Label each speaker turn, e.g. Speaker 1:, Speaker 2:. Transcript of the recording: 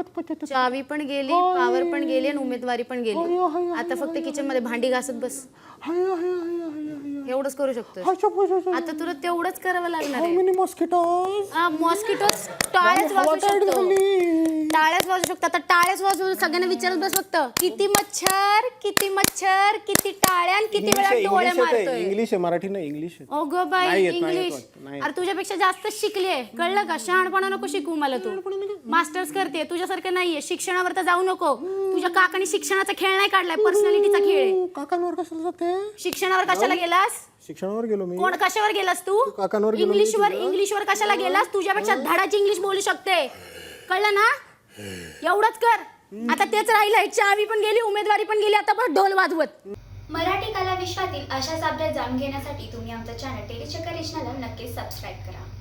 Speaker 1: चावी पण गेली, पावर पण गेली आणि उमेदवारी पण गेली. आता फक्त किचन मध्ये भांडी घासत बस, एवढंच करू शकतो. आता तुला तेवढंच करावं लागणार आहे. मॉस्किटोज टाळ्याच वाजवू शकतो, टाळ्याच वाजवू शकतो. आता टाळ्याच वाजवू, सगळ्यांना विचारत बस फक्त किती मच्छर, किती मच्छर, किती टाळ्या, किती वेळा डोळे मारतोय.
Speaker 2: इंग्लिश आहे, मराठी नाही. इंग्लिश आहे.
Speaker 1: अगं बाई इंग्लिश, अरे तुझ्यापेक्षा जास्त शिकलीये, कळलं का? शहाणपणा नको शिकू मला तू. मास्टर्स करते, तुझ्यासारखं नाहीये. शिक्षणावर तर जाऊ नको. तुझ्या काकाने शिक्षणाचा खेळ नाही काढलाय, पर्सनॅलिटीचा खेळ आहे.
Speaker 2: काकांवर कशाला जाते?
Speaker 1: शिक्षणावर कशाला गेलास?
Speaker 2: शिक्षणावर गेलो मी.
Speaker 1: कोण कशावर गेलास तू?
Speaker 2: काकांवर गेलो.
Speaker 1: इंग्लिशवर कशाला गेलास? तुझ्यापेक्षा धडाची इंग्लिश बोलू शकते, कळलं ना? एवढंच कर. आता तेच राहिलंय, चावी पण गेली, उमेदवारी पण गेली, आता पण ढोल वाजवत.
Speaker 3: मराठी कला विश्वातील अशाच अपडेट जाणून घेण्यासाठी तुम्ही आमचं चॅनल टेलीचक्कर रिजनला नक्कीच सबस्क्राईब करा.